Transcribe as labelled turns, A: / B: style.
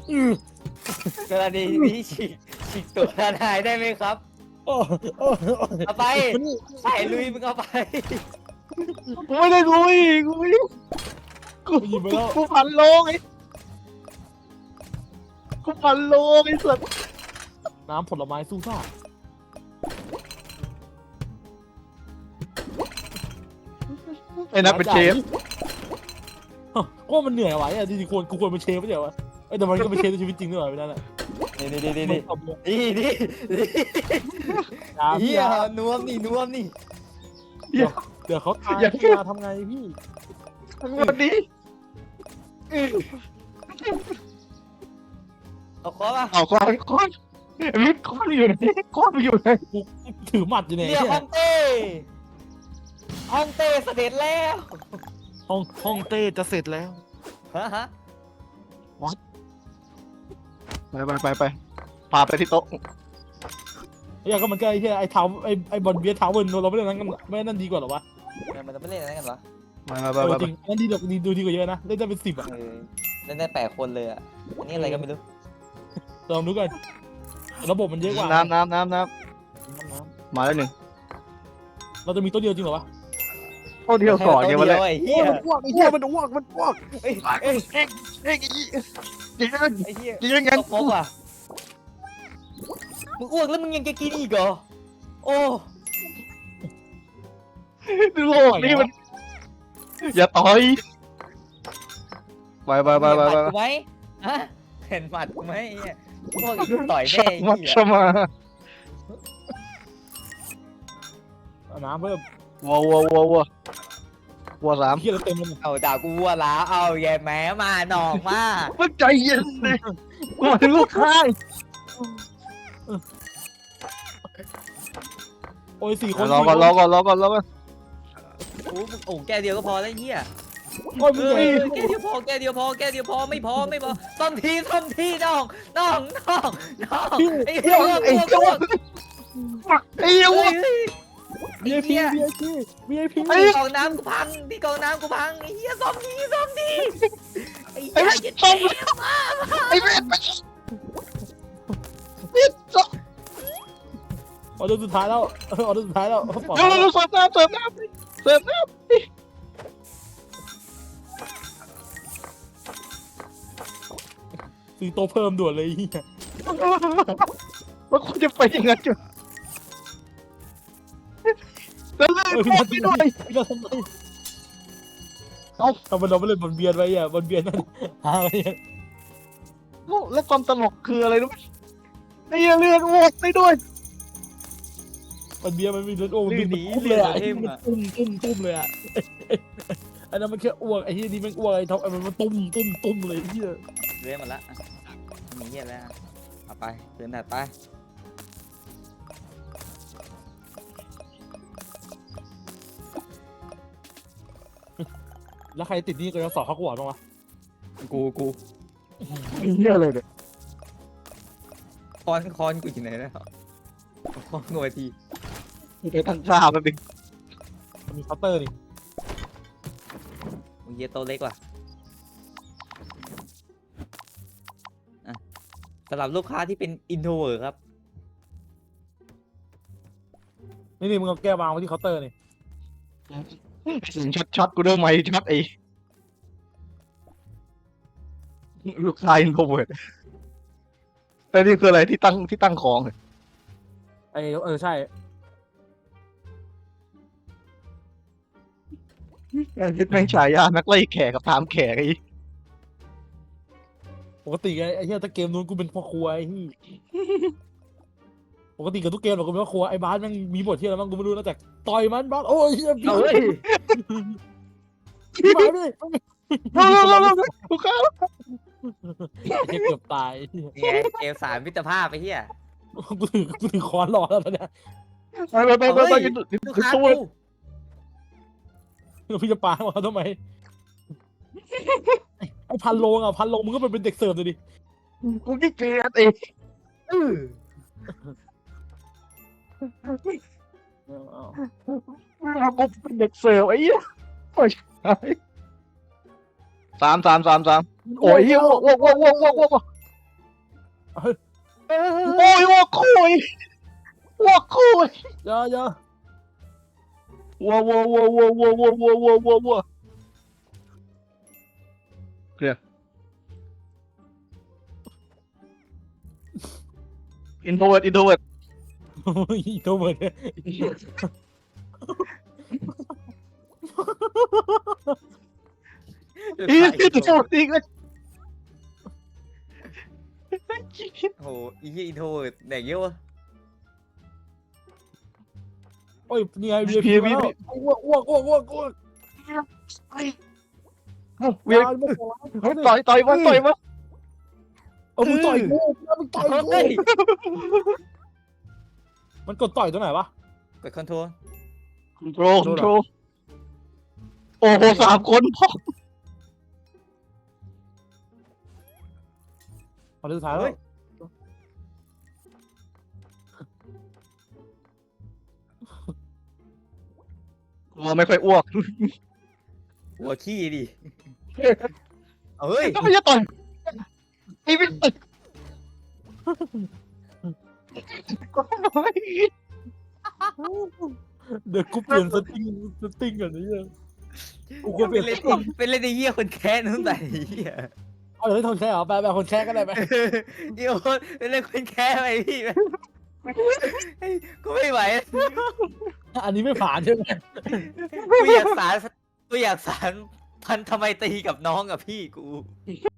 A: กรณีนี้ฉีกตัวทนายได้ไหมครับ
B: โอ้โอ้โอ้
A: เอาไปใส่ลุยมึงเอาไป
C: กูไม่ได้ลุยกูไม่ได้กูพันโลงไอ้กูพันโลงไอ้สัส
B: น้ำผลไม้สู้ซ่า
C: ไอ้นัทเป็นเชฟ
B: ก็มันเหนื่อยไหวอ่ะจริงๆกูควรเป็นเชฟไม่ใช่เหรอวะแต่มันก็เป็นเชฟในชีวิตจริงด้วยไม่ได้แหละ
A: นี่เฮียนวมนี่
B: เดี๋ยวเขาตายมาทำไงพี่
C: ทั้งวันนี้
A: เอาคอป่ะ
C: เอาก้อนมิดก้อนอยู่ไหนก้อนอยู่ไหน
B: กูถือหมัดอยู่ไหน
A: เรียกฮ่องเต้เสด็จแล้ว
C: ห้องเต้จะเสร็จแล้ว
A: ฮะ
C: ไปพาไปที่โต๊ะ
B: ก็มันก็ไอ้เหี้ยไอ้เท้าไอ้บอลเบียร์เท้าเวิร์นเราไม่เล่นนั้นกันไม่นั่นดีกว่าหรอวะ
A: มันจะไม่เล่นอะไรกันวะ
C: ไป
B: จริงนั่นดีดูดีกว่าเยอะนะเล่นได้เป็น10อ่ะ
A: เล่นได้8 คนเลยอ่ะอันนี้อะไรก็ไม่รู้
B: ลองดูกันระบบมันเยอะกว่า
C: น้ำมาแล้วหนึ่ง
B: เราจะมีตัวเดียวจริงเหรอวะ
C: โอ้เดียวก่อนเนี่ยมาเลย
A: ไอ้เหี้ย
C: มันอ้วกไอ้เหี้ยมันอ้วก
A: ไอ้
C: เอ้ยยิง
A: เหี้ย
C: ยิงกัน
A: ตกอ่ะมึงอ้วกแล้วมึงยังจะกินอีกเหรอโอ้
C: ดูโลกนี่มันอย่าต่อยไป
A: เห็นหมัดกูไหมฮะเห็นหมัดกูไหมไอ้เหี้ยพวกอีกต่อยแม่ไอ้
C: มัด
A: เหี้ย
C: สมา
B: น้ำเพิ่ม
C: วัวสาม
B: เหี้ยเราเต็มเลย
A: เอาด่ากูวัวล้าเอาแย่แม้มาหนองมา
C: มันใจเย็นเลยกูมาถึงลูกค้า
B: โอ้ย4 คน
C: รอก่อน
A: โอ้แก้วเดียวก็พอแล้วไอ้เหี้ย
B: โอ้ยมึง
A: แก้วเดียวพอไม่พอซ่อมทีน้องไอ้เหี้ยอ้วก
C: ไอ้เหี้ย
A: ไอ้เหี้ย
B: VIP
A: กองน้ำกูพังไอ้เหี้ยซ่อมทีไอ้เหี้
C: ไอ้
A: ย
C: เม็ดต้มไอ้เม็ดต้ม
B: ออเดอร์สุดท้ายแล้วเดี๋ยวเราเ
C: สิร์ฟน้ำ
B: ซื้อโต๊ะเพิ่มด่วนเลยเฮีย
C: ว่าคุณจะไปยังไงจุดแล้วเลยบอกไม่ด้วย
B: เราทำไมทำไมเราไม่เล่นบอลเบียนไว้อ่ะบอลเบียนนั่นหาอะไร
C: แล้วความตลกคืออะไรรู้ไหมไอ้เรื่องโหวตได้ด้วย
B: บอลเบียนมันมีเลือดโอ้มันตุ้มเลยอ่ะมันตุ้มเลยอ่ะอันนั้นมันแค่อ้วกไอ้เฮียนี่มันอ้วกไอ้ท็อปมันตุ้มเลยเฮีย
A: เรื่อยมาละมีเหี้ยแล้วเอาไปเดินถัดไป
B: แล้วใครติดนี่ก็จะสอบเขากวาดบ้างวะ
A: กู
C: เหี้ยอะไรเนี่ย
A: คอนกูอยู่ไหนแล้วคอนหน่วยที
C: ไอ้ตั้งค่ามันเป็น
B: มันมีเคาน์เตอร์นี่
A: มึงเหี้ยโตเล็กว่ะสำหรับลูกค้าที่เป็นอินโทรเวิร์ครับ
B: นี่มึงเอาแก้ววางไว้ที่เคาน์เตอร์นี่
C: ช็อตกูเริ่มไม่ช็อตไอ้ลูกชายอินโทรเวิร์ดแต่นี่คืออะไรที่ตั้งของ
B: ไอ้ใช่
C: คิดแม่งฉายานักไล่แขกกับตามแขกไอ้
B: ปกติไอ้เฮียถ้าเกมนู้นกูเป็นพ่อครัวไอ้ที่ปกติกับทุกเกมเรากูเป็นพ่อครัวไอ้บาสแม่งมีบทที่อะไรบ้างกูไม่รู้นะแต่ต่อยมันบาสโอ้ยเฮียพี่บาสเลย
C: ลูกค้า
B: เกือบตาย
A: นี่ไงเกม3มิตรภาพไปเฮีย
B: กูถือค้อนรอแล้วตอนเนี้ย
C: ไป
A: ลูกค้า
C: ตู้
A: กู
B: แล้วพี่จะปามาทำไมไอ้พันโลมึงก็เป็นเด็กเสิร์ฟเลยดิ
C: กูขี้เกียจเอง กูเป็นเด็กเสิร์ฟไอ้เหี้ยโอ้ยสามโอ้ยเหี้ยว้าวโอ้ยวัวคุยวัวคุย
B: อย่า
C: วัวเคลียร์อินโทรเวิร์ด
B: โอ้ยตัวเหมือนเนี่ย
C: อีโทรจริงเลย
A: โอ้โหอีเหี้ยอินโทรเวิร์ดแดกเยอะวะ
B: โอ้ยนี่ไงเบียร์มาแล้วอ้วก
C: เวีย
B: เฮ้ย
C: ต่อยมา
B: เอามึงต่อยกูมึงต่อย
A: เฮ้ย
B: มันกดต่อยตัวไหนวะ
A: กดคอนโทรล
C: คอนโทรโอ้โห3 คนพ่อ
B: ตอนสุดท้ายแล้ว
C: วัวไม่ค่อยอ้วก
A: หัวขี้ดิเอาเฮ้ย
C: ก็ไม่จะต่อยไอ้ไม่ต่อย
B: เดี๋ยวกูเปลี่ยนสติ้งก่อนนี่เลยกูก็เปลี่ยน
A: เป็นเล่นในเหี้ยคนแค้นนู่นแต่เหี้ย
B: เอาเลยคนแค่เหรอไปคนแค่ก็ได้ไหม
A: เดี๋ยวเป็นเล่นคนแค้นไปพี่กูไม่ไหว
B: อันนี้ไม่ผ่านใช่ไหม
A: กูอยากสารพันทำไมตรีกับน้องกับพี่กู